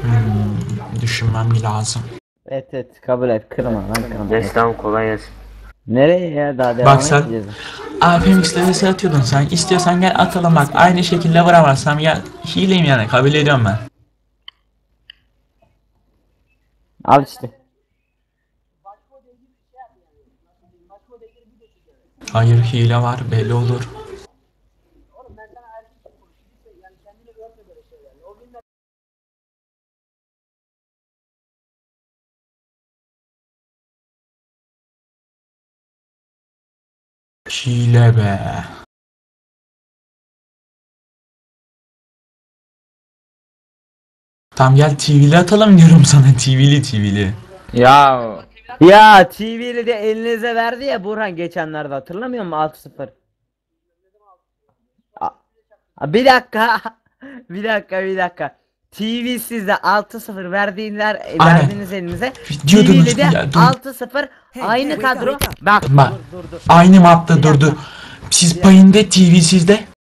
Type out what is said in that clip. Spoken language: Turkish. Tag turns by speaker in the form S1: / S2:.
S1: Düşünmem lazım.
S2: Evet evet, kabul et, kırma lan, kırma.
S3: Neyse tamam, kolay gelsin.
S2: Nereye ya, daha devam
S1: Bak sen
S2: edeceğiz.
S1: APMX'de vs atıyordun sen. İstiyorsan gel atalım bak. Aynı şekilde vuramazsam gel. Hileyim yani, kabul ediyorum ben.
S2: Al işte.
S1: Hayır, hile var, belli olur. Hile be. Tam gel TV'li atalım diyorum sana, TV'li.
S2: Ya. Ya TV'li de elinize verdi ya Burhan geçenlerde, hatırlamıyor musun 6-0? Bir dakika. bir dakika. TV sizde 6-0
S1: Aynen.
S2: verdiniz elinize.
S1: Diyordunuz
S2: TV'li de
S1: ya,
S2: 6-0 aynı kadro. Bak
S1: Bak
S2: dur.
S1: aynı mapta
S2: Bir
S1: durdu.
S2: dakika.
S1: Siz payında TV'sizde